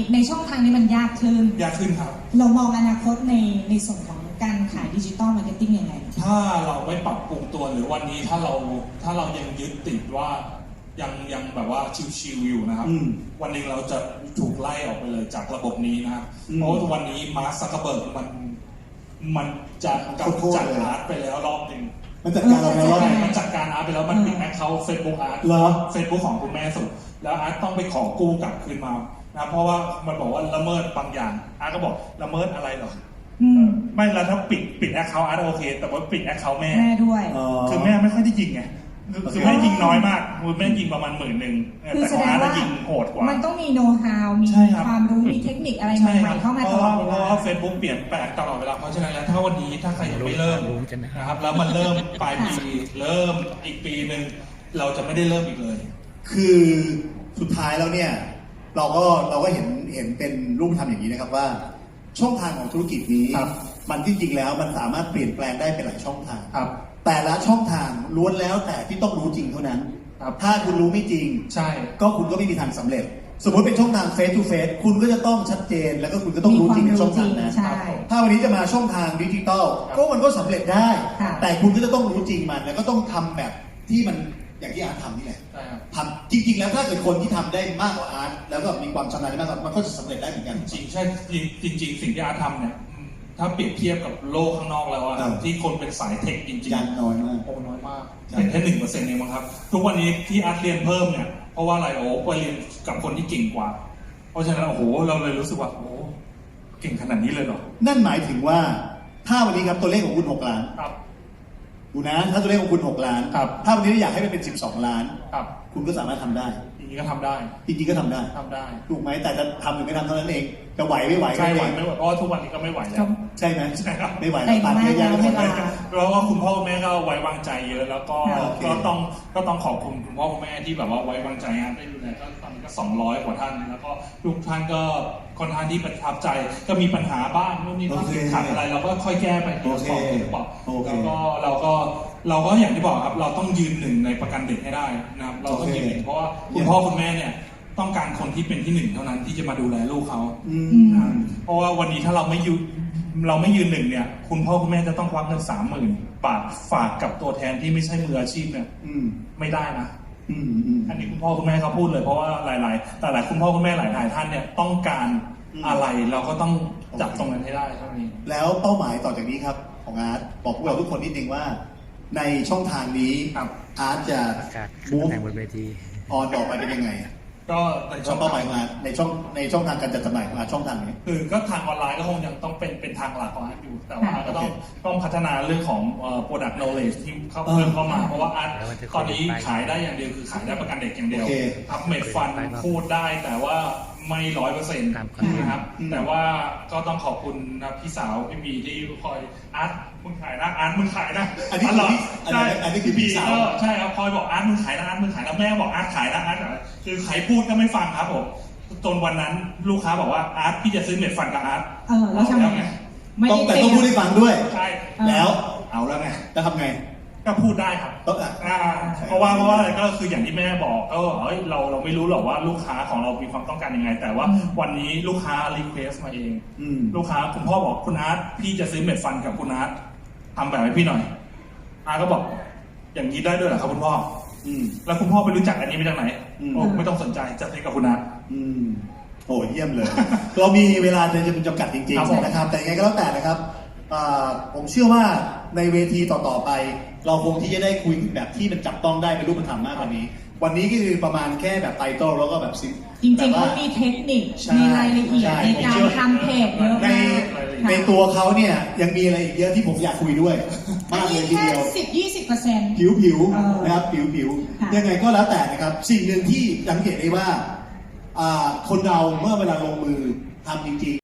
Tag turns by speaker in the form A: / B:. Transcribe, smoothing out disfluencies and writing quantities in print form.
A: ในช่องทางนี้มันยากขึ้น
B: ครับ
A: เรามองอนาคตในส่วนของการขายดิจิตอลมาร์เก็ตติ้งยังไง
B: ถ้าเราไม่ปรับปรุงตัวหรือวันนี้ถ้าเรายังยึดติดว่ายังแบบว่าชิวๆอยู่นะครับวันนึงเราจะถูกไล่ออกไปเลยจากระบบนี้นะครับเพราะวันนี้มาร์ค ซักเคอร์เบิร์กมันจะกำจัดอาร์ตไปแล้วรอบหนึ่ง
C: มันจัดการเราแล้ว
B: มันจัดการอาร์ตไปแล้วมันปิดแอคเคาท์เฟซบุ๊กอาร์ตเฟซบุ๊กของคุณแม่สุดแล้วอาร์ตต้องไปขอกู้กลับคืนมานะเพราะว่ามันบอกว่าละเมิดบางอย่างอาร์ตก็บอกละเมิดอะไรหรอไม่แล้วถ้าปิดแอคเคาท์อาร์ตโอเคแต่ว่าปิดแอคเคาท์แม่
A: ด้วย
B: คือแม่ไม่ค่อยได้ยิงไงคือแม่ยิงน้อยมากแม่ยิงประมาณ10,000แต่ของอาร์ตยิงโหดกว่า
A: มันต้องมีโน้ตฮาวมีความรู้มีเทคนิคอะไรใหม่ๆเข้ามาตลอดเวลาเพ
B: ราะว่าเฟซบุ๊กเปลี่ยนแปลงตลอดเวลาเพราะฉะนั้นแล้วถ้าวันนี้ถ้าใครยังไม่เริ่มนะครับแล้วมันเริ่มปลายปีเริ่มอีกปีหนึ่งเราจะไม่ได้เริ่มอีกเลย
C: คือสุดท้ายแล้วเนี่ยเราก็เห็นเป็นรูปธรรมอย่างนี้นะครับว่าช่องทางของธุรกิจนี้มันจริงๆแล้วมันสามารถเปลี่ยนแปลงได้เป็นหลายช่องทางแต่ละช่องทางล้วนแล้วแต่ที่ต้องรู้จริงเท่านั้นถ้าคุณรู้ไม่จริง
B: ใช่
C: ก็คุณก็ไม่มีทางสำเร็จสมมติเป็นช่องทาง face to face คุณก็จะต้องชัดเจนแล้วก็คุณก็ต้องรู้จริงในช่องทางนั้นถ้าวันนี้จะมาช่องทางดิจิตอลก็มันก็สำเร็จได้แต่คุณก็จะต้องรู้จริงมันแล้วก็ต้องทำแบบที่มันอย่างที่อาร์ตทำนี่แหละทำจริงๆแล้วถ้าเกิดคนที่ทำได้มากกว่าอาร์ตแล้วก็มีความชำนาญมากกว่ามันก็จะสำเร็จได้เหมือนกัน
B: จริงใช่จริงสิ่งที่อาร์ตทำเนี่ยถ้าเปรียบเทียบกับโลกข้างนอกแล้วอะที่คนเป็นสายเทคจริง
C: ๆน้อยมาก
B: น้อยมากเป็นแค่1%เองมั้งครับทุกวันนี้ที่อาร์ตเรียนเพิ่มเนี่ยเพราะว่าอะไรไปเรียนกับคนที่เก่งกว่าเพราะฉะนั้นเราเลยรู้สึกว่าเก่งขนาดนี้เลยเหรอ
C: นั่นหมายถึงว่าถ้าวันนี้ครับตัวเลขของคุณ6 ล้านดูนะถ้าตัวเลขของคุณ6 ล้านถ้าวันนี้อยากให้มันเป็น12 ล้านคุณก็สามารถทำได้
B: จริงๆก็ทำได้
C: ถูกไหมแต่จะทำหรือไม่ทำเท่านั้นเองจะไหวไม่ไหว
B: ใช่ไหวไม่ไหวเพราะทุกวันนี้ก็ไม่ไหวแล้ว
C: ใช่ไหมใช่ครับไม่ไหว
A: แล้ว
C: ตัดเยอะๆ
B: แล้วก็คุณพ่อคุณแม่ก็ไว้วางใจเยอะแล้วก็ต้องขอบคุณคุณพ่อคุณแม่ที่แบบว่าไว้วางใจได้ดูแลก็ตอนนี้ก็200 กว่าท่านแล้วก็ทุกท่านก็ค่อนข้างที่ประทับใจก็มีปัญหาบ้างนู่นนี่นั่นขาดอะไรเราก็ค่อยแก้ไปทีละสองแล้วก็เราก็อย่างที่บอกครับเราต้องยืนหนึ่งในประกันเด็กให้ได้นะครับเราต้องยืนหนึ่งเพราะว่าคุณพ่อคุณแม่เนี่ยต้องการคนที่เป็นที่1เท่านั้นที่จะมาดูแลลูกเขาเพราะว่าวันนี้ถ้าเราไม่ยืนหนึ่งเนี่ยคุณพ่อคุณแม่จะต้องควักเงิน30,000 บาทฝากกับตัวแทนที่ไม่ใช่มืออาชีพเนี่ยไม่ได้นะอันนี้คุณพ่อคุณแม่เขาพูดเลยเพราะว่าหลายคุณพ่อคุณแม่หลายท่านเนี่ยต้องการอะไรเราก็ต้องจับตรงนั้นให้ได้เท่านี้
C: แล้วเป้าหมายต่อจากนี้ครับของอาร์ตบอกพวกเราทุกคนนิดนึงว่าในช่องทางนี้อาร์ตจะ
D: มูฟบนเวที
C: ออนต่อไปเป็นยังไง
B: ก็ในช่อง
C: เป้าหมายมาในช่องทางการจัดจำหน่ายมาช่องทางนี้
B: คือก็ทางออนไลน์ก็คงยังต้องเป็นทางหลักของอาร์ตอยู่แต่ว่าก็ต้องพัฒนาเรื่องของ product knowledge ที่เพิ่มเข้ามาเพราะว่าอาร์ตตอนนี้ขายได้อย่างเดียวคือขายได้ประกันเด็กอย่างเดียวอัพเมดฟันพูดได้แต่ว่าไม่100%นะครับแต่ว่าก็ต้องขอบคุณนะพี่สาวพี่บีที่คอยอาร์ตมึงขายนะอาร์ตมึงขายนะ
C: อันนี้คือพี่สาว
B: ใช่ครับคอยบอกอาร์ตมึงขายนะอาร์ตมึงขายนะแม่บอกอาร์ตขายนะอาร์ตคือใครพูดก็ไม่ฟังครับผมจนวันนั้นลูกค้าบอกว่าอาร์ตพี่จะซื้อเม็ดฟันกับอาร์ต
A: แล้วทำไง
C: แต่ต้องพูดให้ฟังด้วย
B: ใช่
C: แล้วเอาแล้วไงจะทำไง
B: ก็พูดได้ครับเพราะว่าอะไรก็คืออย่างที่แม่บอกก็เราไม่รู้หรอกว่าลูกค้าของเรามีความต้องการยังไงแต่ว่าวันนี้ลูกค้ารีเควสมาเองลูกค้าคุณพ่อบอกคุณอาร์ตพี่จะซื้อเม็ดฟันกับคุณอาร์ตทำแบบให้พี่หน่อยอาร์ตก็บอกอย่างนี้ได้ด้วยเหรอครับคุณพ่อแล้วคุณพ่อไปรู้จักอันนี้มาจากไหนไม่ต้องสนใจจัดให้กับคุณอาร์ต
C: โอ้เยี่ยมเลยเรามีเวลาจำกัดจริงๆนะครับแต่ยังไงก็แล้วแต่นะครับผมเชื่อว่าในเวทีต่อๆไปเราคงที่จะได้คุยแบบที่มันจับต้องได้เป็นรูปธรรมมากกว่านี้วันนี้ก็คือประมาณแค่แบบไตเติ้ลแล้วก็แบบ
A: จริงๆเขามีเทคนิคมีรายละเอียดในการทำเพจเยอะมาก
C: ในตัวเขาเนี่ยยังมีอะไรอีกเยอะที่ผมอยากคุยด้วยมากเลยทีเดียว
A: 10-20%
C: ผิวนะครับผิวยังไงก็แล้วแต่นะครับสิ่งหนึ่งที่สังเกตได้ว่าคนเราเมื่อเวลาลงมือทำจริงๆ